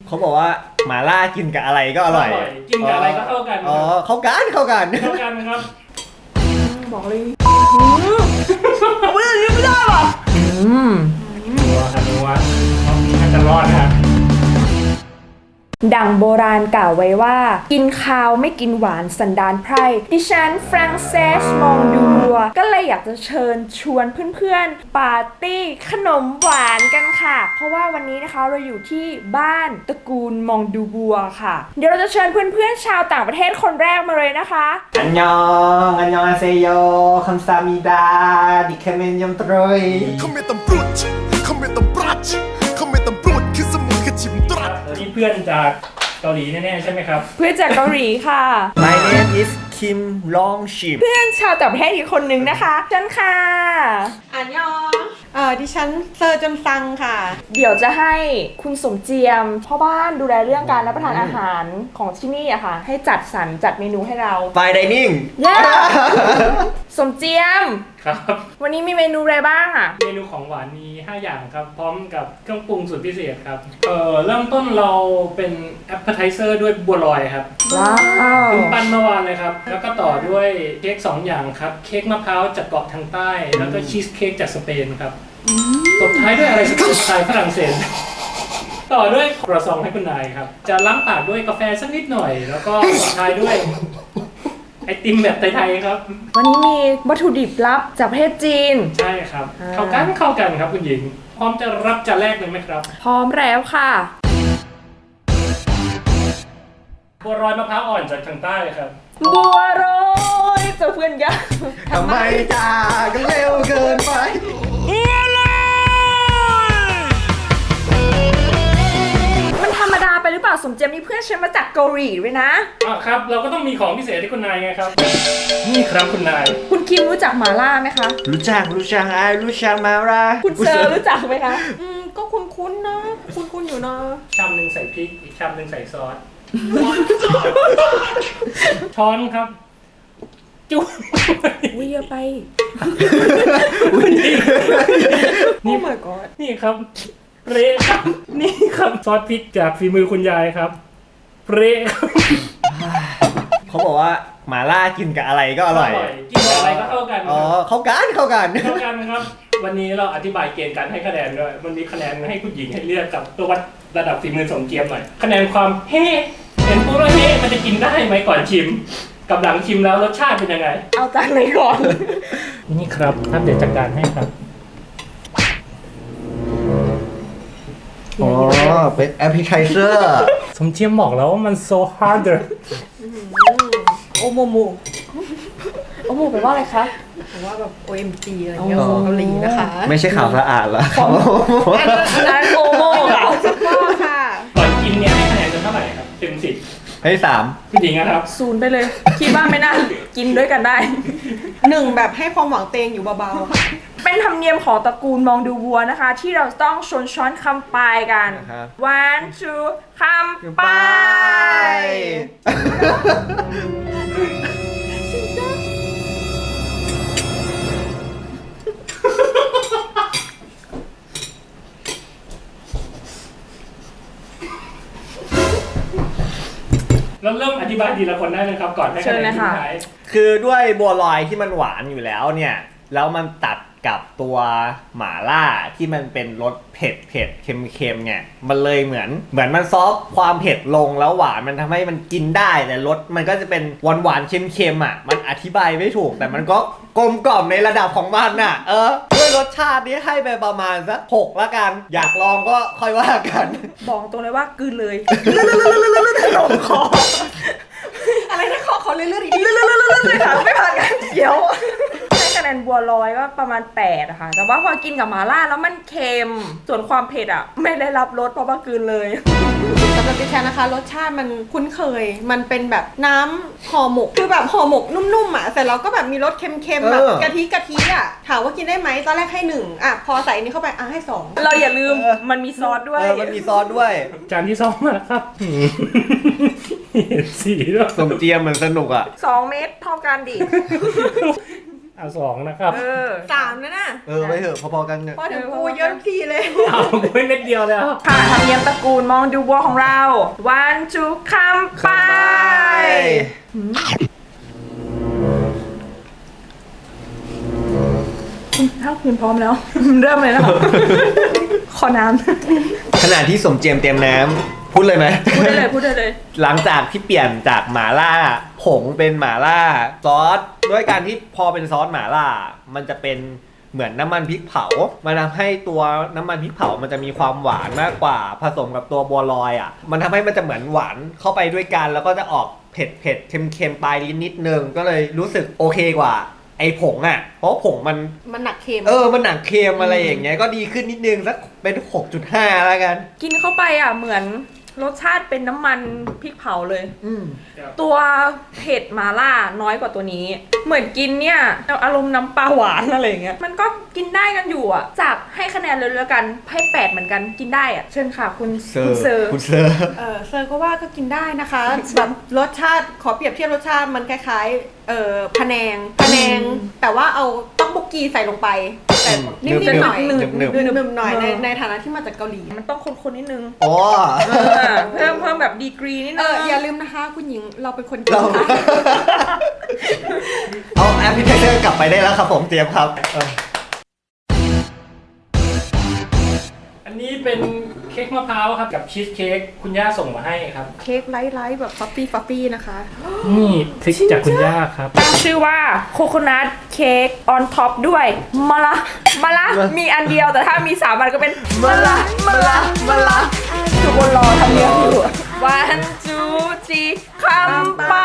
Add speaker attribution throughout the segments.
Speaker 1: เขาบอกว่าหมาล่ากินกับอะไรก็อร่อย
Speaker 2: กินกับอะไรก็เข้ากัน
Speaker 1: อ๋อเข้ากัน
Speaker 2: ครับ
Speaker 3: บอกเลยไม่ได้หรอ
Speaker 2: นัวครับนัวอาจจะรอดนะ
Speaker 3: ดังโบราณกล่าวไว้ว่ากินข้าวไม่กินหวานสันดานไพร่ดิฉันฟรังเซสมองดูบัวก็เลยอยากจะเชิญชวนเพื่อนๆปาร์ตี้ขนมหวานกันค่ะเพราะว่าวันนี้นะคะเราอยู่ที่บ้านตระกูลมองดูบัวค่ะเดี๋ยวเราจะเชิญเพื่อนๆชาวต่างประเทศคนแรกมาเลยนะคะ
Speaker 1: อันยองอาเซโยคัมซามิดาดิเคเมนยมตรอย
Speaker 4: คอมเมนต์ตำรวจคอมเมนต์ตำรวจคอมเมนต์ตำรวจคือสมุนคือชิมตรัส
Speaker 2: นี่เพื่อนจากเกาหลีแน่ๆใช่ไหมครับ
Speaker 3: เพื่อนจากเกาหลีค่ะ
Speaker 1: My name is Kim Long Shim
Speaker 3: เพื่อนชาวต่างประเทศอีกคนนึงนะคะจันค่ะ
Speaker 5: อันยองดิฉันเซอร์จนซังค่ะ
Speaker 3: เดี๋ยวจะให้คุณสมเจียมพ่อบ้านดูแลเรื่องการรับประทานอาหารของที่นี่อะค่ะให้จัดสรรจัดเมนูให้เรา
Speaker 1: ไฟไดนิ่ง
Speaker 3: สมเจียม
Speaker 2: ครับ
Speaker 3: วันนี้มีเมนูอะไรบ้างอะ
Speaker 2: เมนูของหวานมี5อย่างครับพร้อมกับเครื่องปรุงสูตรพิเศษครับเริ่มต้นเราเป็นแอปเปอร์ไทเซอร์ด้วยบัวลอยครับ
Speaker 3: ว้าว
Speaker 2: ปั้นเมื่อวานเลยครับแล้วก็ต่อด้วยเค้ก2อย่างครับเค้กมะพร้าวจากเกาะทางใต้แล้วก็ชีสเค้กจากสเปนครับตบท้ายด้วยอะไรสไตล์ฝรั่งเศสต่อด้วยครัวซองให้คุณนายครับจะล้างปากด้วยกาแฟสักนิดหน่อยแล้วก็ตบท้ายด้วยไอติมแบบไทยๆครับ
Speaker 3: วันนี้มีวัตถุดิบลับจากประเทศจีน
Speaker 2: ใช่ครับเข้ากันครับคุณหญิงพร้อมจะรับจานแรกเลยไหมครับ
Speaker 3: พร้อมแล้วค่ะ
Speaker 2: บัวลอยมะพร้าวอ่อนจากทางใต้ครับ
Speaker 3: บัวลอยเจ้าเพื่อนยักษ์
Speaker 1: ทำไมจากกันเร็วเกินไป
Speaker 3: มันธรรมดาไปหรือเปล่าสมเจียมมีเพื่อนฉันมาจากเกาหลีด้วยนะครับ
Speaker 2: เราก็ต้องมีของพิเศษให้คุณนายไงครับนี่ครับคุณนาย
Speaker 3: คุณคิมรู้จักหม่าล่าไหมคะ
Speaker 1: รู้จักรู้จักมาล่า
Speaker 3: คุณเซอร์รู้จักไหมคะ
Speaker 5: ก็คุ้นๆนะคุ้นๆอยู่นะ
Speaker 2: ชามนึงใส่พริกอีกชามนึงใส่ซอสช้อนครับจุ๊บ
Speaker 3: วิ่งไป
Speaker 2: นี่
Speaker 5: my god
Speaker 2: นี่ครับเละครับนี่ครับซอสพริกจากฝีมือคุณยายครับเละ
Speaker 1: เขาบอกว่าหมาล่ากินกับอะไรก็อร่อย
Speaker 2: กินกับอะไรก็เข้ากัน
Speaker 1: อ๋อเข้ากัน
Speaker 2: ครับวันนี้เราอธิบายเกณฑ์การให้คะแนนด้วยมันมีคะแนนให้ผู้หญิงให้เลือกกับตัววัดระดับฝีมือสมเกียรติหน่อยคะแนนความเฮ้เห็นปุ๊บแล้วเฮ้มันจะกินได้ไหมก่อนชิมกับหลังชิมแล้วรสชาติเป็นยังไง
Speaker 3: เอาจานไหนก่อน
Speaker 2: นี่ครับท่านเดี๋ยวจัดการให้ครับ
Speaker 1: อ๋อเป็นแอปพลิเคชัน
Speaker 2: สมเจียมบอกแล้วว่ามัน so harder
Speaker 5: โอโมโม
Speaker 3: แปลว่าอะไรคะ
Speaker 5: แปลว่าแบบ OMG อะไรเงี้ยของเกาหลีนะคะ
Speaker 1: ไม่ใช่ข่าวสะอาดเหรอ
Speaker 3: อันนั้นโอโม
Speaker 5: ค่ะ
Speaker 2: ก่อนกินเนี่ยให้คะแนนเท่าไหร่ครับเต็ม10
Speaker 1: ให้3
Speaker 2: ผู้หญิงนะครับ
Speaker 3: 0ไปเลยคิดว่าไม่น่ากินด้วยกันได้
Speaker 5: 1แบบให้ความหวังเตงอยู่เบา
Speaker 3: ๆเป็นธรรมเนียมของตระกูลมองดูวัวนะคะที่เราต้องชนช้อนคำปลายกัน one two คำปลาย
Speaker 2: เราเริ่มอธิบายทีละคนได้เลยครับก่อนให้คะแนนสุดท้าย
Speaker 1: คือด้วยบัวลอยที่มันหวานอยู่แล้วเนี่ยแล้วมันตัดกับตัวหม่าล่าที่มันเป็นรสเผ็ดเค็มเนี่ยมันเลยเหมือนมันซอฟความเผ็ดลงแล้วหวานมันทำให้มันกินได้แต่รสมันก็จะเป็นหวานเค็มอ่ะมันอธิบายไม่ถูกแต่มันก็กลมกล่อมในระดับของมันน่ะด้วยรสชาตินี้ให้ไปประมาณสัก6ละกันอยากลองก็ค่อยว่ากัน
Speaker 3: บอกตรงเลยว่ากลืนเลยลงคอ
Speaker 5: อะไรนะขอเลื่อนๆอีก
Speaker 3: เลยค่ะไม่ผ่านกันเดี๋ยวให้คะแนนบัวลอยก็ประมาณ8อะค่ะแต่ว่าพอกินกับหม่าล่าแล้วมันเค็มส่วนความเผ็ดอะไม่ได้รับรสเพราะว่ากลืนเลย
Speaker 5: สำหรับดิฉันนะคะรสชาติมันคุ้นเคยมันเป็นแบบน้ำห่อหมกคือแบบห่อหมกนุ่มๆอะแต่เราก็แบบมีรสเค็มๆแบบกะทิอะถามว่ากินได้ไหมตอนแรกให้1อะพอใส่อันนี้เข้าไปให้2
Speaker 3: เราอย่าลืมมันมีซอสด้วย
Speaker 1: มันมีซอสด้วย
Speaker 2: จานที่2มาแล้วครับเห็นสีด้วย
Speaker 1: สมเจียมมันสนุกอ่ะ
Speaker 3: 2 เม็ดเท่ากันดิ
Speaker 2: เอา2นะครับ
Speaker 5: 3นะน่ะ
Speaker 1: ไปเถอะพอๆกันเนี่ย
Speaker 5: พอถึงกูเยอะทุกทีเลย
Speaker 2: เอาไม่เม็ดเดียวเลยครับ
Speaker 3: ค่ะธรรมเนียมตระกูลมองดูบัวของเรา one two คำไป ถ้าคุณพร้อมแล้ว เริ่มเลยนะคะ ขอน้ำ
Speaker 1: ขณะที่สมเจียมเตรียมน้ำพูดเลยไหม
Speaker 3: พูดได้เลยพูดได้เลย
Speaker 1: หลังจากที่เปลี่ยนจากหม่าล่าผงเป็นหม่าล่าซอสด้วยการที่พอเป็นซอสหม่าล่ามันจะเป็นเหมือนน้ำมันพริกเผามันทำให้ตัวน้ำมันพริกเผามันจะมีความหวานมากกว่าผสมกับตัวบัวลอยอ่ะมันทำให้มันจะเหมือนหวานเข้าไปด้วยกันแล้วก็จะออกเผ็ดเผ็ดเค็มเค็มปลายลิ้นนิดนึงก็เลยรู้สึกโอเคกว่าไอ้ผงอ่ะเพราะผงมัน
Speaker 5: มันหนักเค็ม
Speaker 1: มันหนักเค็มอะไรอย่างเงี้ยก็ดีขึ้นนิดนึงสักเป็น 6.5 แล้วกัน
Speaker 3: กินเข้าไปอ่ะเหมือนรสชาติเป็นน้ำมันพริกเผาเลย
Speaker 2: ครับ
Speaker 3: ตัวเผ็ดมาล่าน้อยกว่าตัวนี้ เหมือนกินเนี่ยอารมณ์น้ำปลาหวานอะไรอย่างเงี้ยมันก็กินได้กันอยู่อ่ะจากให้คะแนนเลยแล้วกันให้8เหมือนกันกินได้อ่ะเชิญค่ะคุณเซอร์
Speaker 1: คุณเซอร์
Speaker 5: เซอร์ก็ว่าก็กินได้นะคะ แบบรสชาติขอเปรียบเทียบรสชาติมันคล้ายๆพะแนงแต่ว่าเอาต๊อกบกกีใส่ลงไปแต่นิ่มๆหน่อย
Speaker 1: หนึบ
Speaker 5: หนึบๆหน่อยในฐานะที่มาจากเกาหลี
Speaker 3: มันต้องคนๆนิดนึง
Speaker 1: ๆอ๋อ
Speaker 3: เพิ่มแบบดีกรีนิดนึง
Speaker 5: อย่าลืมนะคะคุณหญิงเราเป็นคนกิน
Speaker 1: เรา
Speaker 5: ค่ะ
Speaker 1: เอาแอปพลิเคชันกลับไปได้แล้วครับผมเตรียมครับ
Speaker 2: อันนี้เป็นเค้กมะพร้าวครับกับชีสเค้กคุณย่าส่งมาให้ครับ
Speaker 5: เค้กไลท์ๆแบบฟัฟฟี่นะคะ
Speaker 2: นี่ทริคจากคุณย่าครับ
Speaker 3: ตั้งชื่อว่าโคโคนัทเค้กออนท็อปด้วยมะละมีอันเดียวแต่ถ้ามี3อันก็เป็นมะละทุกคนรอทำเนียมอยู่ one two three คำไป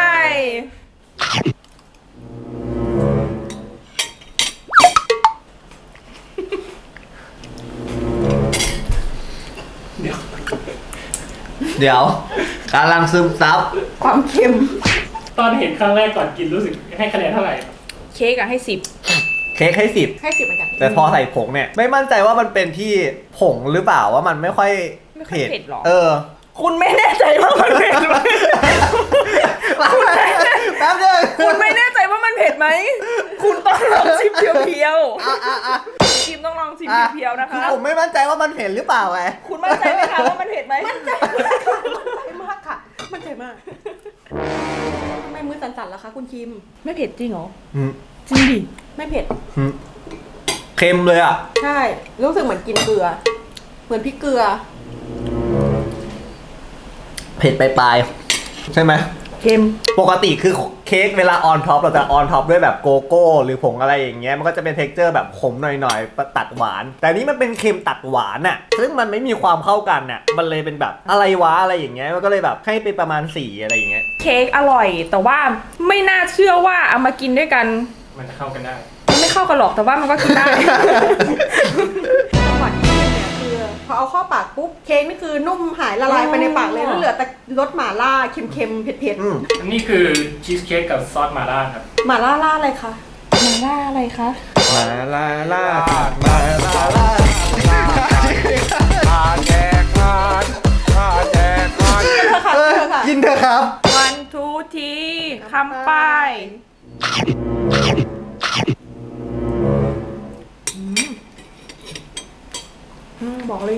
Speaker 1: เดี๋ยวกำลังซึมซับ
Speaker 5: ความเค็ม
Speaker 2: ตอนเห็นครั้งแรกก่อนกินรู้สึกให้คะแนนเท่าไหร่
Speaker 3: เค้กอะให้
Speaker 1: เค้กให้10
Speaker 5: ให้10เหมือนกัน
Speaker 1: แต่พอใส่ผงเนี่ยไม่มั่นใจว่ามันเป็นที่ผงหรือเปล่าว่ามันไม่ค่อย
Speaker 3: ไม่ค่อยเผ็ดหรอ 10คุณไม่แน่ใจว่ามันเผ็ดไหม
Speaker 1: แป๊บนึง
Speaker 3: คุณไม่แน่ใจว่ามันเผ็ดไหมคุณต้องลองชิมเพียวๆชิมต้องลองชิมเพียวๆนะคะ
Speaker 1: ผมไม่มั่นใจว่ามันเผ็ดหรือเปล่าไง
Speaker 3: คุณมั่นใจไหมคะว่ามันเผ็ดไหมมั่นใจ
Speaker 5: มากค่ะมันใจมากทำไมมือสั่นๆล่ะคะคุณคิม
Speaker 3: ไม่เผ็ดจริงเหรอ
Speaker 1: อืม
Speaker 3: จริงดิ
Speaker 5: ไม่เผ็ด
Speaker 1: เค็มเลยอ่ะ
Speaker 5: ใช่ รู้สึกเหมือนกินเกลือ เหมือนพริกเกลือ
Speaker 1: เผ็ดปลายๆใช่ไหม
Speaker 3: เค็ม
Speaker 1: ปกติคือเค้กเวลาออนท็อปเราจะออนท็อปด้วยแบบโกโก้หรือผงอะไรอย่างเงี้ยมันก็จะเป็นเท็กเจอร์แบบขมหน่อยๆตัดหวาน แต่นี้มันเป็นเค็มตัดหวานอ่ะซึ่งมันไม่มีความเข้ากันอ่ะมันเลยเป็นแบบอะไรวะอะไรอย่างเงี้ยมันก็เลยแบบให้ไปประมาณ4อะไรอย่างเงี้ย
Speaker 3: เค้กอร่อย แต่ว่าไม่น่าเชื่อว่าเอามากินด้วยกัน
Speaker 2: มันจะเข้ากันได้
Speaker 3: มันไม่เข้ากันหรอกแต่ว่ามันก็กินได้
Speaker 5: จังหวะที่กินเนี่ยคือพอเอาเข้าปากปุ๊บเค้กนี่คือนุ่มหายละลายไปในปากเลยแล้วเหลือแต่รสหม่าล่าเค็มๆเผ็ด
Speaker 2: อันนี้คือชีสเค้กกับซอสมาล่าครับ
Speaker 5: ๆหม่าล่าอะไรคะ
Speaker 3: มาล่าอะไรคะ
Speaker 1: มาลาลามาลาลา กินเถอะครับ
Speaker 3: one two three คำไปบอกเลย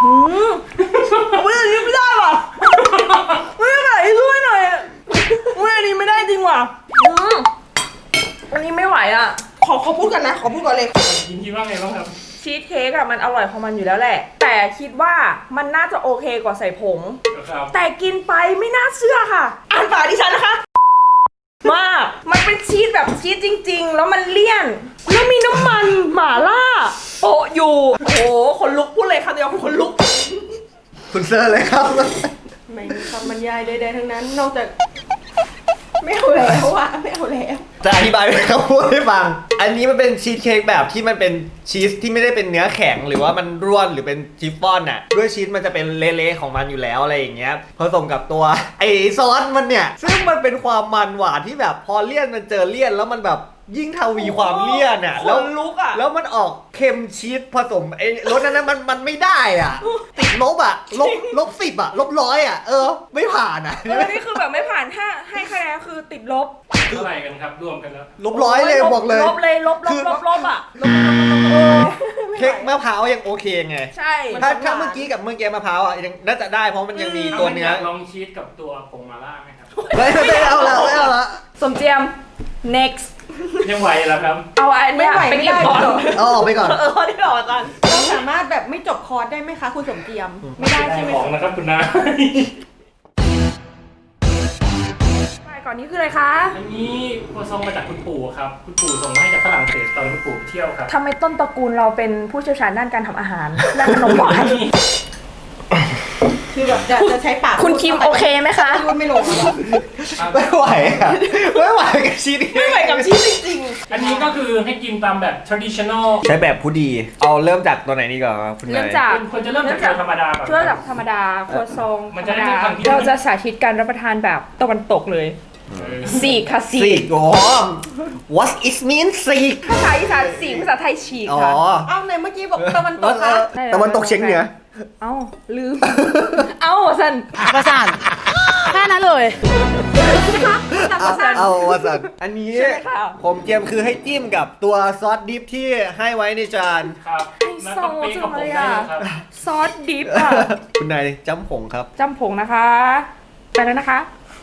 Speaker 3: อันนี้ไม่ได้ว่ะไม่ได้ช่วยหน่อยอันนี้ไม่ได้จริงว่ะอันนี้ไม่ไหวอ่ะขอพูดกันนะขอพูดก่อนเลย
Speaker 2: ยินคิดว่าไงบ้างครับ
Speaker 3: ชีสเค้กอะมันอร่อยของมันอยู่แล้วแหละ แต่คิดว่ามันน่าจะโอเคกว่าใส่ผง
Speaker 2: ครับ
Speaker 3: แต่กินไปไม่น่าเชื่อค่ะ อ่านปากดิฉันนะคะ มากมันเป็นชีสแบบชีสจริงๆ แล้วมันเลี่ยน แล้วมีน้ำมันหม่าล่าโปะอยู่ โอ้โหขนลุกพูดเลยค่ะเดียวขนลุก
Speaker 1: คุณเซอร์เลยครับ
Speaker 5: ไม่มีคำบรรยายใดๆทั้งนั้น นอกจากไม่เอาแล้วอะไม่เอาแล้ว
Speaker 1: จะอธิบายให้เขาพูดให้ฟัง อันนี้มันเป็นชีสเค้กแบบที่มันเป็นชีสที่ไม่ได้เป็นเนื้อแข็งหรือว่ามันร่วนหรือเป็นชิฟฟ่อนน่ะ ด้วยชีสมันจะเป็นเละๆของมันอยู่แล้วอะไรอย่างเงี้ย ผสมกับตัวไอซอสมันเนี่ย ซึ่งมันเป็นความมันหวานที่แบบพอเลี่ยนมันเจอเลี่ยนแล้วมันแบบยิ่งทวีความเลี่ยนอ่ะ
Speaker 3: ขนลุกอะ
Speaker 1: แล้วมันออกเค็มชีสผสมไอ้รสนั้นนะมันไม่ได้อ่ะ ติดลบอ่ะลบ10อ่ะลบ100อ่ะไม่ผ่านอ่ะ
Speaker 3: นี่คือแบบไม่ผ่านถ้าให้คะแนนคือติดลบ
Speaker 2: เท่าไหร่กันครับรวมกันแล้ว
Speaker 1: ลบ100เลยบอกเลย
Speaker 3: ลบเลยลบ
Speaker 1: คือ
Speaker 3: อ่ะ
Speaker 1: เค้กมะพร้าวยังโอเคไง
Speaker 3: ใช่
Speaker 1: ถ้าเมื่อกี้กับเมื่อกี้มะพร้าวอ่ะยังน่าจะได้เพราะมันยังมีตัวเนื้อ
Speaker 2: ลองชีสกับตัวผงมาล่าไหมครับ
Speaker 1: ไม่เอาละ
Speaker 3: สมเจียม next
Speaker 2: ยังไหวแล้วครับ
Speaker 3: เอาอันเนี้ยไปเก็บก่อน
Speaker 1: เอาออกไปก่อน
Speaker 3: เอาที่หลอดก่อน
Speaker 5: เราสามารถแบบไม่จบคอร์สได้ไหมคะคุณสมเจียม ไม่ได้ใช่ไหม
Speaker 2: ของนะครับคุณนาย
Speaker 3: ไปก่อนนี้คืออะไรคะ
Speaker 2: อันนี้ครัวซองมาจากคุณปู่ครับ คุณปู่ส่งมาให้จากฝรั่งเศสตอนคุณปู่เที่ยวครับ
Speaker 3: ทำไมต้นตระกูลเราเป็นผู้เชี่ยวชาญด้านการทำอาหารด้านขนมหวาน
Speaker 5: คือแบบจะใช้ปาก
Speaker 3: คุณคิมโอเคไหมคะ
Speaker 5: พูดไม่ลงอะ
Speaker 1: ไม่ไหวอ่ะไม่ไหวกับชีส
Speaker 3: ไม่ไหวกับชีสจริง
Speaker 2: อันนี้ก็คือให้กินตามแบบ traditional
Speaker 1: ใช้แบบผู้ดี เอาเริ่มจากตัวไหนดีก่อนครับคุณ
Speaker 3: ๆ
Speaker 1: นาย
Speaker 3: เริ่มจาก
Speaker 2: ควรจะเริ่มจากตัวธรรมดาก่อน
Speaker 3: เริ่มจากธรรมดาครัวซอง
Speaker 2: มัน
Speaker 3: ธร
Speaker 2: จะ
Speaker 3: รม
Speaker 2: ได้
Speaker 3: ดา
Speaker 2: ไม่ทำที่
Speaker 3: เราจะสาธิตการรับประทานแบบตะวันตกเลย
Speaker 2: เออ
Speaker 3: สีกค่ะสี
Speaker 1: สี
Speaker 3: ก
Speaker 1: กอ๋อ what is mean สีก
Speaker 3: ภาษาอีสานสีกภาษาไทยฉีก
Speaker 1: อ๋อ
Speaker 3: ค่ะ
Speaker 5: เอ้าในเมื่อกี้บอกตะวันตกคะ
Speaker 1: ตะวันตกเฉียงเหนือ
Speaker 3: เอ้าลืม เอ้าสัน
Speaker 6: ประสานแค่นั้นเลย
Speaker 1: เอาวสันอันนี้
Speaker 3: ใช่ไหมคะ
Speaker 1: ผมเตรียมคือให้จิ้มกับตัวซอสดิฟที่ให้ไว้ในจาน
Speaker 2: ครับแล้วก็เป๊กกับผมได้เลยครับ
Speaker 3: ซอสดิฟอ่ะ
Speaker 1: คุณนายจำผงครับ
Speaker 3: จำผงนะคะ ไปแล้วนะคะ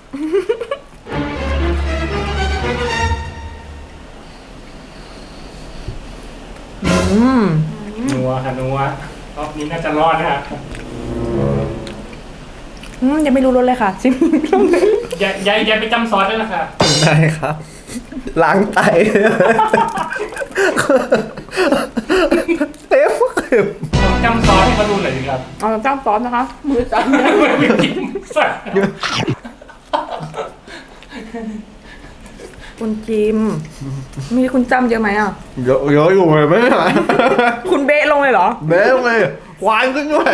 Speaker 2: นัวค่ะนัวรอบนี้น่าจะรอดนะฮะ
Speaker 3: ยังไม่รู้รสเลยค่ะชิม
Speaker 2: อย่าไปจำซอสได้ละค่ะ
Speaker 1: ได้ครับ ล้างไตเต็มคือ
Speaker 2: ผมจำซอสให้เขาดูหน่อยสิครับ
Speaker 3: เอาจ้ำซอสนะคะ มือจับ
Speaker 2: ไม่กินสัก
Speaker 3: คุณจิม มีคุณจำเยอะไหมอ่ะ
Speaker 1: เยอะอยู่เลยไม่ไหว
Speaker 3: คุณเบะลงเลยเหรอ
Speaker 1: เบ้เลยควานขึ้นด้วย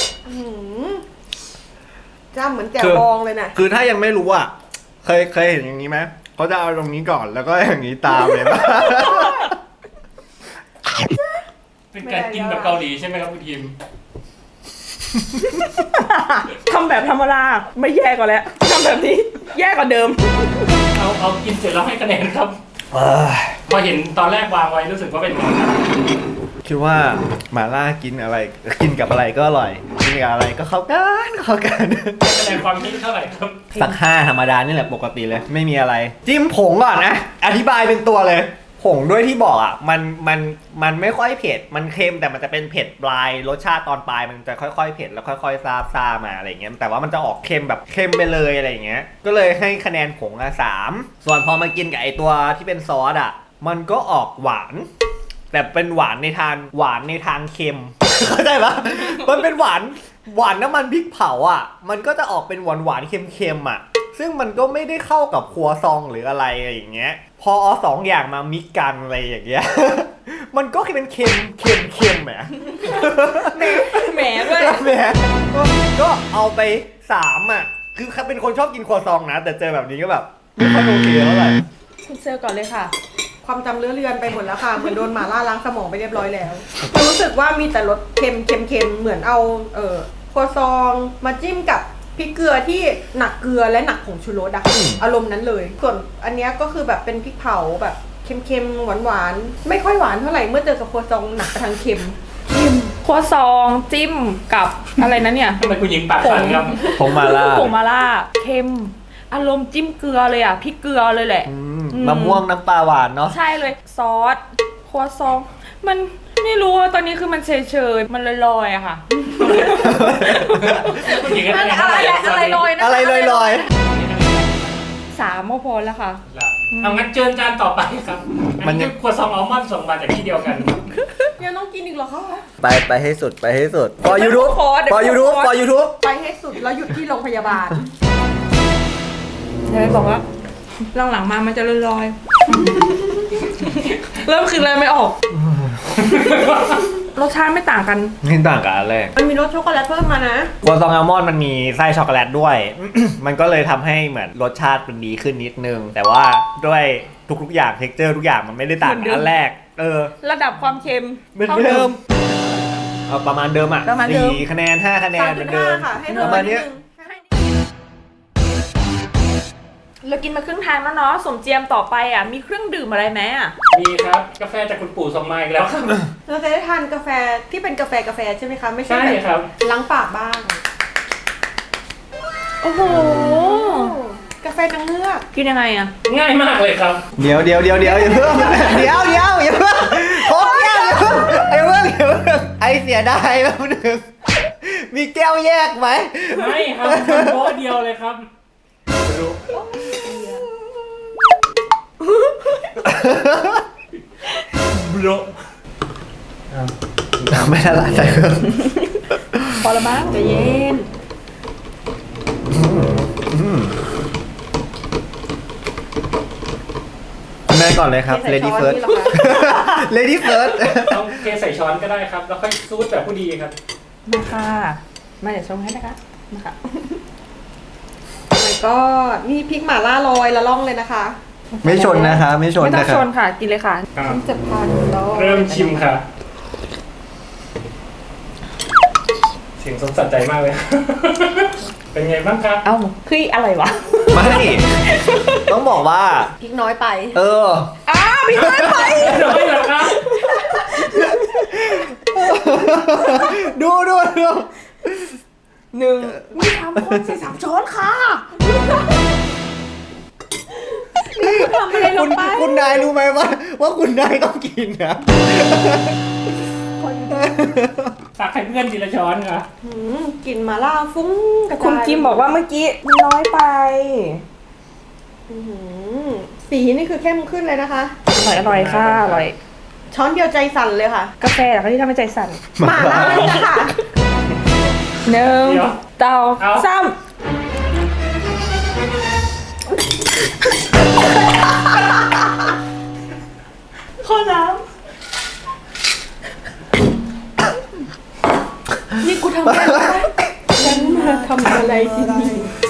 Speaker 5: จ้าเหมือนแกะบองเลยน่ะ
Speaker 1: คือถ้ายังไม่รู้อ่ะ เคยเห็นอย่างนี้ไหมเขาจะเอาตรงนี้ก่อนแล้วก็อย่างนี้ตามเลยป่ะ
Speaker 2: เป็นการกินแบบเกาหลีใช่ไหมครับคุณทีม
Speaker 3: ทำแบบธรรมดาไม่แย่กว่าแล้วทำแบบนี้แย่กว่าเดิม
Speaker 2: เอากินเสร็จแล้วให้คะแนนครับ พอเห็นตอนแรกวางไว้รู้สึกว่าเป็นไงครับ
Speaker 1: คิดว่าหมาล่ากินอะไรกินกับอะไรก็อร่อย กินกับอะไรก็เข้ากัน
Speaker 2: ให้คะแนนความคิดเท่าไหร่ครับ
Speaker 1: สัก5ธรรมดานี่แหละปกติเลย ไม่มีอะไร จิ้มผงก่อนนะ อธิบายเป็นตัวเลย ผงด้วยที่บอกอ่ะมันไม่ค่อยเผ็ดมันเค็มแต่มันจะเป็นเผ็ดปลายรสชาติตอนปลายมันจะค่อยๆเผ็ดแล้วค่อยๆซามาอะไรเงี้ยแต่ว่ามันจะออกเค็มแบบเค็มไปเลยอะไรเงี้ยก็เลยให้คะแนนผง3ส่วนพอมากินกับไอตัวที่เป็นซอสอ่ะมันก็ออกหวาน แต่เป็นหวานในทางเค็ม เข้าใจปะมันเป็นหวานน้ำมันพริกเผาอ่ะมันก็จะออกเป็นหวานเค็มๆอ่ะซึ่งมันก็ไม่ได้เข้ากับครัวซองหรืออะไรอย่างเงี้ยพอเอาสองอย่างมามิกกันอะไรอย่างเงี้ย มันก็เป็นเค็มแหม
Speaker 3: แหมด้วย
Speaker 1: แหมก็เอาไป3อ่ะคือเป็นคนชอบกินครัวซองนะแต่เจอแบบนี้ก็แบบไม่ค่อยโอเคเท่าไหร่
Speaker 3: คุณเซลก่อนเลยค่ะ
Speaker 5: ความจำเลือเลือนไปหมดแล้วค่ะ เหมือนโดนหมาล่าล้างสมองไปเรียบร้อยแล้ว รู้สึกว่ามีแต่รสเค็มเหมือนเอาครัวซองมาจิ้มกับพริกเกลือที่หนักเกลือและหนักผงชูรสอะอารมณ์นั้นเลย ส่วนอันเนี้ยก็คือแบบเป็นพริกเผาแบบเค็มหวานไม่ค่อยหวานเท่าไหร่เมื่อเจอกับครัวซองหนักไปทางเค็ม
Speaker 3: ครัวซองจิ้มกับอะไรนะเนี่ย
Speaker 2: ทำไมคุณหญิงปากสั่นครับ
Speaker 1: ผงมาล่า
Speaker 3: ผงมาล่าเค็มอารมณ์จิ้มเกลือเลยอ่ะพริกเกลือเลยแหละ
Speaker 1: มะม่วงน้ำปลาหวานเนาะ
Speaker 3: ใช่เลยซอสครัวซองมันไม่รู้ว่าตอนนี้คือมันเฉยๆมันลอยๆอะค่ะ
Speaker 2: คุณหญิงให้คะแนน
Speaker 3: อะ
Speaker 2: เท่าไห
Speaker 3: ไร
Speaker 2: ร่
Speaker 3: อะไรลอยนะ
Speaker 1: อะไรลอย
Speaker 3: 3ก็พอแล้วค่ะ
Speaker 2: เอางั้นเชิญจานต่อไปครับอันนี้คือครัวซองอัลมอนด์ส่งมาจากที่เดียวกัน
Speaker 5: ยังต้องกินอีกเหรอคะ
Speaker 1: ไปให้สุดพอ YouTube พอ YouTube
Speaker 5: ไปให้สุดแล้วหยุดที่โรงพยาบาล
Speaker 3: เดี๋ยวบอกว่าหลังๆมามันจะลอยๆ เริ่มคืออะไรไม่ออก รสชาติไม่ต่างกัน
Speaker 1: ไม่ต่างกับอันแรก
Speaker 5: มันมีรสช็อกโกแลตเพิ่มมานะ
Speaker 1: กัวซองอัลมอนด์มันมีไส้ช็อกโกแลตด้วย มันก็เลยทำให้เหมือนรสชาติมันดีขึ้นนิดนึง แต่ว่าด้วยทุกๆอย่างเท็กเจอร์ทุกอย่างมันไม่ได้ต่างกับอันแรก
Speaker 3: ระดับความเค็ม
Speaker 1: เหมือน
Speaker 3: ท่า
Speaker 1: เดิมเอาประมาณเดิมอ่ะ
Speaker 3: ประมาณเดิม
Speaker 1: 4 คะแนน 5 คะแนนเหมือนเดิม
Speaker 5: 3.5 ค่ะให้
Speaker 1: ป
Speaker 5: เพิ่ม
Speaker 1: ระมาณเนี้ย
Speaker 3: เรากินมาครึ่งทางแล้วเนาะสมเจียมต่อไปอ่ะมีเครื่องดื่มอะไรไหมอ่ะ
Speaker 2: มีครับกาแฟจากคุณปู่ส่งมาอีกแล้วครับ
Speaker 5: เราจะได้ทานกาแฟที่เป็นกาแฟใช่ไหมคะ ไม่ใช่
Speaker 2: ใช่
Speaker 5: แบบ
Speaker 2: ครับ
Speaker 5: ล้างปากบ้าง
Speaker 3: โอ้โห
Speaker 5: กาแฟนางเงือก
Speaker 3: กินยังไงอ่ะ
Speaker 2: ง่ายมากเลยครับ
Speaker 1: เดี๋ยวอย่าเพิ่งเดี๋ยวโค้กแก้วอย่าเพิ่งไอเสียดายแป๊บนึงมีแก้วแยกไหม
Speaker 2: ไม่ครับโต๊ะเดียวเลยครับรู้บล็อก
Speaker 1: ไม่ได้ละใส่เครื่อง
Speaker 3: พอละมั้งใจเย็น
Speaker 1: แม่ก่อนเลยครับ Lady First Lady First
Speaker 2: ต้องเทใส่ช้อนก็ได้ครับ แล้วค่อยซูดแบบผู้ดีครับ
Speaker 3: มาค่ะมาเดี๋ยวชงให้นะคะมาค่ะ
Speaker 5: แล้วก็นี่พริกหม่าล่าลอยละล่องเลยนะคะ
Speaker 1: ไม่ชนนะคะไม่ชน
Speaker 3: ไม่ต้อ
Speaker 1: นะ
Speaker 3: ง
Speaker 1: ค
Speaker 3: ช
Speaker 1: รับ
Speaker 3: นค่ะกินเลยค่ะ
Speaker 5: ต้องจับทานแล้ว
Speaker 2: เริ่มชิมค่ะ เสียงสดสัดใจมากเลย เป็นไงบ้างครับ
Speaker 3: เอ้าคืออะไรวะ
Speaker 1: ไม่ ต้องบอกว่า
Speaker 5: พริกน้อยไป
Speaker 3: พี่ไม่ไป
Speaker 2: น้อยเหรอครับ
Speaker 1: ดู
Speaker 3: หนึ่งไม่ทำคนใส่3 ช้อนค่ะ
Speaker 5: ทำอะไรลงไป
Speaker 1: คุณนายรู้ไหมว่าคุณนายต้องกินนะ
Speaker 2: ตักให้เพื่อนทีละช้อนค่ะ
Speaker 5: กลิ่นหม่าล่าฟุ้งกระจาย
Speaker 3: คุณกิมบอกว่าเมื่อกี้มันน้อยไป
Speaker 5: อื้อหือสีนี่คือเข้มขึ้นเลยนะคะ
Speaker 3: อร่อยค่ะอร่อย
Speaker 5: ช้อนเดียวใจสั่นเลยค่ะ
Speaker 3: กาแฟเหรอคะที่ทำให้ใจสั่น
Speaker 5: หม่าล่านี่นะคะ
Speaker 3: หนึ่ง
Speaker 2: เดี๋ยว
Speaker 3: เตา
Speaker 2: เอา
Speaker 3: ซ้
Speaker 5: ข้อน้ำนี่กูทำอะไรวะฉันมาทำอะไรที่นี่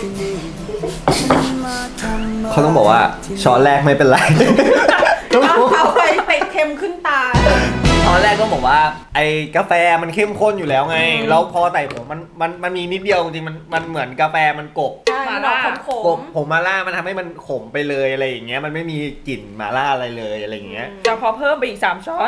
Speaker 1: เขาต้องบอกว่าช้อนแรกไม่เป็นไร
Speaker 5: เอาไปเป็ดเค็มขึ้นตา
Speaker 1: ช้อนแรกก็บอกว่าไอ้กาแฟมันเข้มข้นอยู่แล้วไงแล้วพอใส่ผงมันมีนิดเดียวจริงๆมันเหมือนกาแฟมันกบ
Speaker 5: ใช่มันออกขม
Speaker 1: กบผงมาล่ามันทำให้มันขมไปเลยอะไรอย่างเงี้ยมันไม่มีกลิ่นมาล่าอะไรเลยอะไรอย่างเงี้ย
Speaker 3: ำจะพอเพิ่มไปอีก3 ช้อน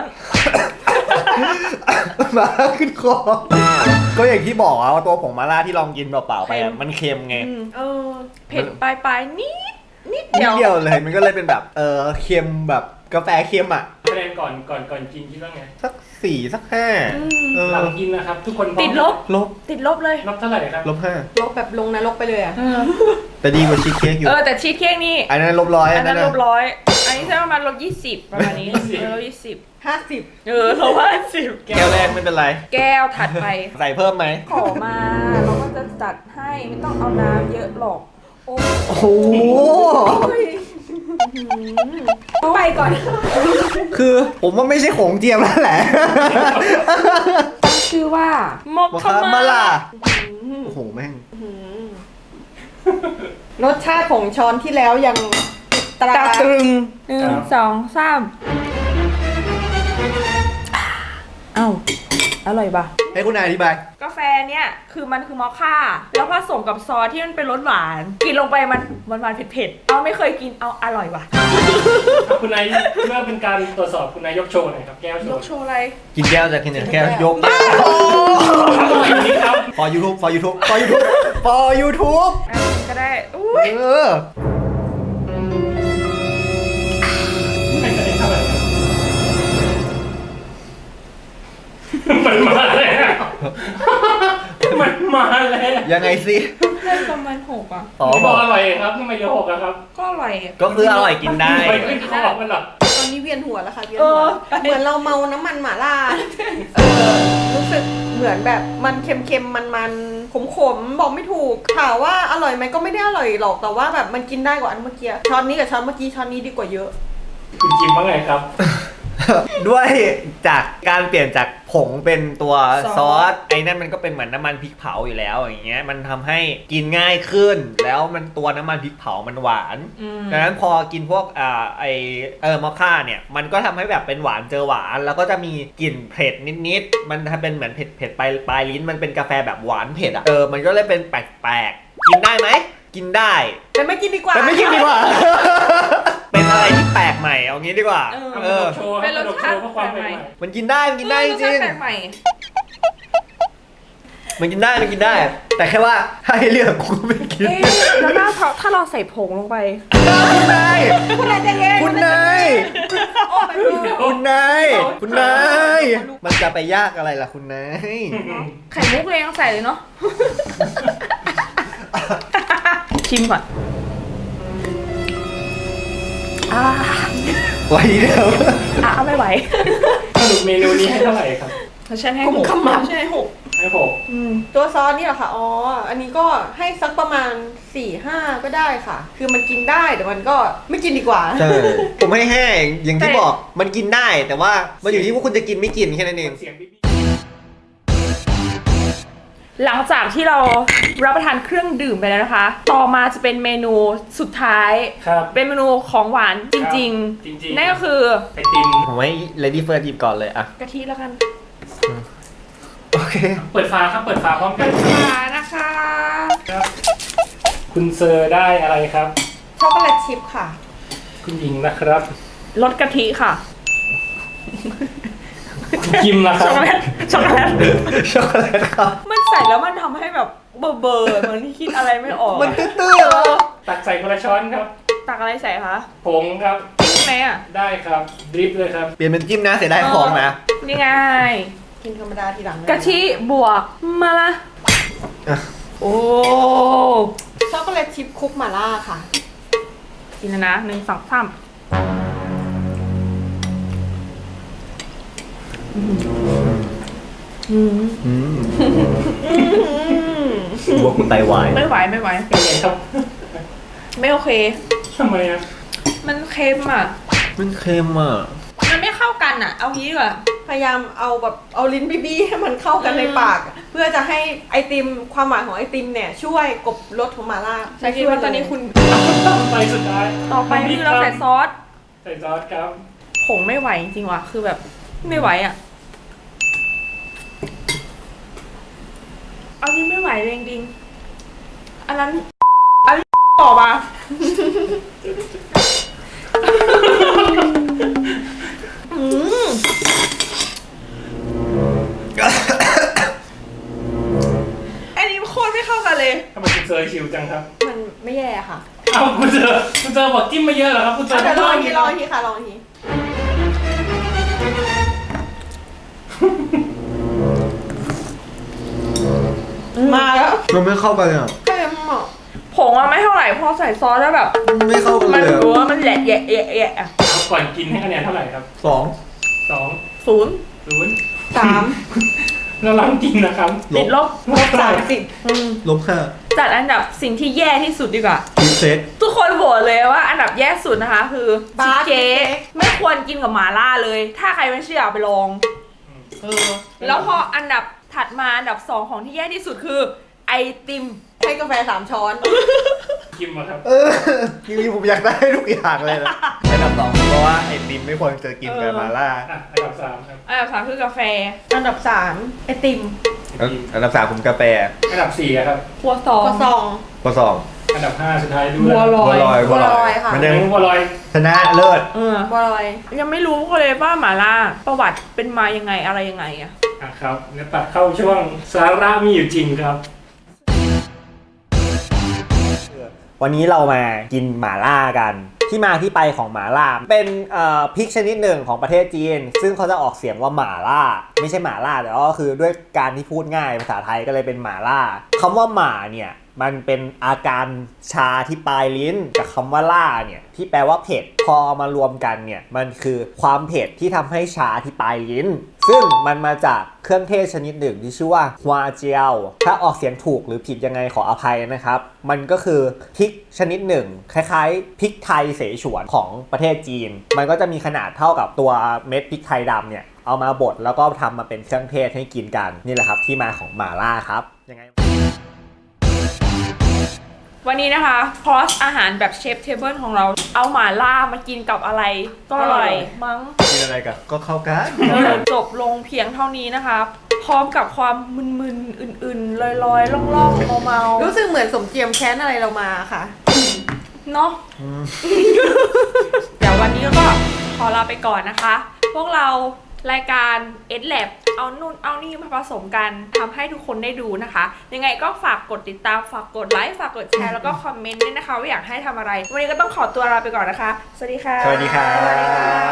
Speaker 1: มาขึ้นคอก็อย่างที่บอกว่าตัวผงมาล่าที่ลองกินเปล่าๆไปอะมันเค็มไง
Speaker 5: เออ
Speaker 3: เผ็ดปลายๆนิด
Speaker 1: นิดเดียวเลยมันก็เลยเป็นแบบเค็มแบบกาแฟเค็มอ่ะ
Speaker 2: คะแนนก่อนกินคิดว่าไง
Speaker 1: สัก 4 สัก 5
Speaker 2: หลังกินนะครับ ทุกคนพร้อม
Speaker 3: ติดลบ
Speaker 1: ลบ
Speaker 3: ติดลบเลย
Speaker 2: ลบเท่าไหร่ครับ
Speaker 1: ลบ
Speaker 5: ลบแบบลงนรกไปเลยอ่ะ
Speaker 1: แต่ดีกว่าชีสเค้กอยู่
Speaker 3: แต่ชีสเค้กนี่
Speaker 1: อันนั้นลบ100
Speaker 3: อันนั้น
Speaker 1: ะ
Speaker 3: ลบ100อันนี้ใช่ประมาณลบ20ประมาณนี้ลบ20
Speaker 5: 50
Speaker 3: ลบ50
Speaker 1: แก้วแรกไม่เป็นไร
Speaker 3: แก้วถัดไป
Speaker 1: ใส่เพิ่มไหม
Speaker 3: ขอมาเราก็จะจัดให้ไม่ต้องเอาน้ำเยอะหรอก โอ้
Speaker 1: โอ้โห
Speaker 3: ไปก่อน
Speaker 1: คือผมว่าไม่ใช่ของเจียมแล้วแหละ
Speaker 3: ตั้งชื่อว่าหมก
Speaker 1: บอก
Speaker 3: ข
Speaker 1: คำ
Speaker 3: มา
Speaker 1: มาล่ะโอ้โหแม่ง
Speaker 5: รสชาติของช้อนที่แล้วยังตรา
Speaker 3: ตาตรึง1 2 3เอ้าอร่อยปะ
Speaker 1: ให้คุณนายอธิบาย
Speaker 3: กาแฟเนี่ยคือมันคือมอคค่าแล้วผสมกับซอสที่มันเป็นรสหวานกินลงไปมันหวานๆเผ็ดๆเอาไม่เคยกินเอาอร่อยว่ะ
Speaker 2: คุณนายเพื่อเป็นการตรวจสอบคุณนายยกโชว์หน่อยครับแก้วโช
Speaker 3: ย
Speaker 2: ว์
Speaker 3: กโชว์อะไร
Speaker 1: กินแก้วจากกินแก้วยก
Speaker 2: อร่อยนี้ครับ
Speaker 1: for YouTube for YouTube for YouTube for YouTube
Speaker 3: ก็ได้อุ้ย
Speaker 2: ให้คะแนนเท่าไหร่ครับมันมาแล้วมันมาแล้ว
Speaker 1: ยังไงสิ
Speaker 3: ให้ประมาณ6อ่ะ
Speaker 1: อ๋อ
Speaker 2: พี่
Speaker 1: บบ อ
Speaker 2: อก กอร่อยครับทำไมเหลือ6อะครับ
Speaker 3: ก็อร่อยอะ
Speaker 1: ก็คืออร่อยกินได้
Speaker 2: ไม่ขึ้นคอมันหรอก
Speaker 5: ตอนนี้เวียนหัวแล้วค่ะเวียนหัวเหมือนเราเมาน้ำมันหม่าล่า รู้สึกเหมือนแบบมันเค็มๆมันๆขมๆบอกไม่ถูกถามว่าอร่อยไหมก็ไม่ได้อร่อยหรอกแต่ว่าแบบมันกินได้กว่าอันเมื่อกี้ช้อนนี้กับช้อนเมื่อกี้ช้อนนี้ดีกว่าเยอะ
Speaker 2: คุณจิมว่าไงครับ
Speaker 1: ด้วยจากการเปลี่ยนจากผงเป็นตัวซอสไอ้นั่นมันก็เป็นเหมือนน้ำมันพริกเผาอยู่แล้วอย่างเงี้ยมันทำให้กินง่ายขึ้น แล้วมันตัวน้ำมันพริกเผามันหวานดังนั้นพอกินพวกมอคค่าเนี่ยมันก็ทำให้แบบเป็นหวานเจอหวานแล้วก็จะมีกลิ่นเผ็ดนิดๆมันเป็นเหมือนเผ็ดปลายลิ้นมันเป็นกาแฟแบบหวานเผ็ดอ่ะมันก็เลยเป็นแปลกๆกินได้ไหมกินได้
Speaker 5: แต่ไม่กินดีกว่า
Speaker 1: แต่ไม่กินดีกว่า เป็นอะไรที่แปลกใหม่เอางี้ดีกว่า
Speaker 2: โชว์
Speaker 3: เป็นรสชาติ
Speaker 2: เพื่อความเป็นใหม่
Speaker 1: มันกินได้มันกินได้จริง
Speaker 3: แปลกใหม่
Speaker 1: มันกินได้แต่แค่ว่าถ้าให้เลือกกูก็ไม่กิน
Speaker 3: เอ๊ะแล้วถ้าเราใส่ผงลงไป
Speaker 1: คุณนาย
Speaker 5: คุณนายใจเย็น
Speaker 1: คุณนาย
Speaker 5: โอ้ย
Speaker 1: คุณนาย มันจะไปยากอะไรล่ะคุณนาย
Speaker 3: ไข่มุกเลยยังใส่เลยเนาะ ชิมก่อน
Speaker 1: ไว้เดียว
Speaker 3: ไม่ไหว
Speaker 2: สรุปเมนูนี้ให้เท่าไหร่ครับ
Speaker 3: ฉันให้หก
Speaker 5: ใช่หก
Speaker 2: ให้หก
Speaker 5: ตัวซอสนี่เหรอคะอ๋ออันนี้ก็ให้สักประมาณ 4-5 ก็ได้ค่ะ คือมันกินได้แต่มันก็ไม่กินดีกว่า
Speaker 1: ใช่ผมให้แห้งอย่างที่บอกมันกินได้แต่ว่ามันอยู่ที่ว่าคุณจะกินไม่กินแค่นั้นเอง
Speaker 2: เสียงบิ๊บ
Speaker 3: หลังจากที่เรารับประทานเครื่องดื่มไปแล้วนะคะ ต่อมาจะเป็นเมนูสุดท้าย
Speaker 2: ครับ
Speaker 3: เป็นเมนูของหวานจริง
Speaker 2: จริง
Speaker 3: ๆ
Speaker 2: ๆ
Speaker 3: นั่นก็คือ
Speaker 2: ไอติม
Speaker 1: ผมให้ Lady First หยิบก่อนเลยอะ
Speaker 3: กะทิแล้วกัน
Speaker 1: โอเค
Speaker 2: เปิดฝาครับเปิดฝาพร้อมกัน
Speaker 3: นะคะ
Speaker 2: ครับคุณเซอร์ได้อะไรครับ
Speaker 5: ช็อกโกแลตชิพค่ะ
Speaker 2: คุณหญิงนะครับ
Speaker 3: รสกะทิค่ะ
Speaker 2: คุณจิมนะค
Speaker 3: ช็
Speaker 2: รั
Speaker 3: อบ กโกแลต ช็อกโกแลต
Speaker 1: ช็อกโกแลตครับ
Speaker 3: มันใส่แล้วมันทำให้แบบเบอร์เหมือนที่คิดอะไรไม่ออก
Speaker 1: มันตื้อๆเหรอ
Speaker 2: ตักใส่คนละช้อนครับ
Speaker 3: ตักอะไรใส่คะ
Speaker 2: ผงครับ
Speaker 3: จิ้มไหมอ่ะ
Speaker 2: ได้ครับดริปเลยครับ
Speaker 1: เปลี่ยนเป็นจิ้มนะเสียดายของนะ
Speaker 3: นี่ไง
Speaker 5: กินธรรมดาทีหลัง
Speaker 3: กะทิบวกมาละ
Speaker 1: อ่ะ
Speaker 3: โอ้
Speaker 5: ช็อกโกแลตชิพคุกหม่าล่าค่ะ
Speaker 3: กินแล้วนะ1 2 3
Speaker 1: บวกไตวาย
Speaker 3: ไม่ไหว
Speaker 2: เป็นไงครับ
Speaker 3: ไม่โอเค
Speaker 2: ทำไมอ่ะ
Speaker 3: มันเค็มอ่ะ
Speaker 1: มันเค็มอ่ะ
Speaker 3: มันไม่เข้ากันอ่ะ เอางี้ดีกว่า
Speaker 5: พยายามเอาแบบเอาลิ้นบี้ๆให้มันเข้ากันในปาก เพื่อจะให้ไอติมความหวานของไอติมเนี่ยช่วยกลบรสของหม่าล่า
Speaker 3: ฉันคิดว่าตอนนี้คุณ
Speaker 2: ไปสุดท้าย
Speaker 3: ต่อไปคือเราใส่ซอส
Speaker 2: ใส่ซอสครับ
Speaker 3: ผงไม่ไหวจริงๆว่ะ คือแบบไม่ไหวอ่ะ เอานี้ไม่ไหวเลยจริงๆอันนั้นต่อมา อันนี้โคตรไม่เข้ากันเลย
Speaker 2: ทำไมคุณเซอร์ชิวจังครับ
Speaker 5: มันไม่แย่ค่ะ
Speaker 2: เอาคุณเซอร์บอกจิ้มมาเยอะเหรอครับคุณเซอร์
Speaker 5: เดี๋ยวลองอีกที
Speaker 2: ไม่
Speaker 5: ล
Speaker 2: ต้
Speaker 5: องอีกทีค่ะลองอีกทีมาแล้ว
Speaker 1: มันไม่เข้ากันอ่ะ
Speaker 5: เค็มอ่ะ
Speaker 3: ผงอะไม่เท่าไหร่พอใส่ซอสแล้วแบบ
Speaker 1: ไม่เข้ากัน
Speaker 3: มัน
Speaker 1: เลย
Speaker 3: รู้ว่ามันแหละแยะแยะแยะอะ
Speaker 2: เอาก่อนกินให้คะแนนเท่าไหร่ครับ
Speaker 1: สอง
Speaker 2: 2
Speaker 3: 0
Speaker 2: 0
Speaker 5: 3
Speaker 2: แล้วหลังกินนะครับ
Speaker 3: ติดลบ
Speaker 2: ลบเท่าไหร่
Speaker 5: 30
Speaker 1: ลบห้า
Speaker 3: จัดอันดับสิ่งที่แย่ที่สุดดีกว่า
Speaker 1: ชีสเซ็ต
Speaker 3: ทุกคนโหวตเลยว่าอันดับแย่สุดนะคะ คือชี
Speaker 5: บา
Speaker 3: ส
Speaker 5: ร์
Speaker 3: เค้ก
Speaker 5: เค้ก
Speaker 3: ไม่ควรกินกับหม่าล่าเลย ถ้าใครไม่เชื่อเอาไปลองแล้วพออันดับถัดมาอันดับ 2 ของที่แย่ที่สุดคือ ไอติม
Speaker 5: ให้กาแฟ3 ช้อน
Speaker 2: กินมาครับ
Speaker 1: จริงๆผมอยากได้ทุกอย่างเลยนะอันดับสองเพราะว่าไอติมไม่ควรจะกินกับมาล่า
Speaker 2: อ่ะอันดับ3ครับ
Speaker 3: อันดับ 3 คือกาแฟ
Speaker 5: อันดับ3ไอติม
Speaker 1: อันดับสามผมกาแฟ
Speaker 2: อันดับ4ครับ
Speaker 3: ครัวซอง
Speaker 5: กระซอง
Speaker 1: ข้อสอง
Speaker 2: อันดับ5สุดท้ายดู
Speaker 3: บัวลอย
Speaker 1: บัวลอย
Speaker 5: ค่ะ
Speaker 1: มัน
Speaker 2: ยั
Speaker 1: ยัง ง
Speaker 2: บัวลอย
Speaker 1: ชนะเลิศ
Speaker 5: บัวลอย
Speaker 3: ยังไม่รู้เลยว่าหม่าล่าประวัติเป็นมายังไงอะไรยังไงอะ
Speaker 2: อ่ะครับแล้วตัดเข้าช่วงสาระมีอยู่จริงครับ
Speaker 1: วันนี้เรามากินหม่าล่ากัน ที่มาที่ไปของหม่าล่าเป็นพริกชนิดหนึ่งของประเทศจีน ซึ่งเขาจะออกเสียงว่าหม่าล่า ไม่ใช่หม่าล่าแต่ก็คือด้วยการที่พูดง่ายภาษาไทยก็เลยเป็นหม่าล่าคำว่าหม่าเนี่ยมันเป็นอาการชาที่ปลายลิ้นกับคำว่าล่าเนี่ยที่แปลว่าเผ็ดพอมารวมกันเนี่ยมันคือความเผ็ดที่ทำให้ชาที่ปลายลิ้นซึ่งมันมาจากเครื่องเทศชนิดหนึ่งที่ชื่อว่าฮวาเจียวถ้าออกเสียงถูกหรือผิดยังไงขออภัยนะครับมันก็คือพริกชนิดหนึ่งคล้ายๆพริกไทยเสฉวนของประเทศจีนมันก็จะมีขนาดเท่ากับตัวเม็ดพริกไทยดำเนี่ยเอามาบดแล้วก็ทำมาเป็นเครื่องเทศให้กินกันนี่แหละครับที่มาของหม่าล่าครับยังไง
Speaker 3: วันนี้นะคะคอร์สอาหารแบบเชฟเทเบิลของเราเอาหม่าล่ามากินกับอะไรก็อร่อยมั้ง
Speaker 1: กินอะไรกันก็เข้ากัน
Speaker 3: จบลงเพียงเท่านี้นะคะ พร้อมกับความมึนๆอื่นๆลอยๆล่องๆเมาๆ
Speaker 5: รู้สึกเหมือนสมเจียมแค้นอะไรเรามาค่ะ
Speaker 3: เนาะเดี๋ยววันนี้ก็ขอลาไปก่อนนะคะ พวกเรารายการ EdLab เอานู่นเอานี่มาผสมกันทำให้ทุกคนได้ดูนะคะ ยังไงก็ฝากกดติดตามฝากกดไลค์ฝากกดแชร์แล้วก็คอมเมนต์ด้วยนะคะว่าอยากให้ทำอะไร วันนี้ก็ต้องขอตัวลาไปก่อนนะคะ สวัสดีค่ะ
Speaker 1: สวัสดีครับ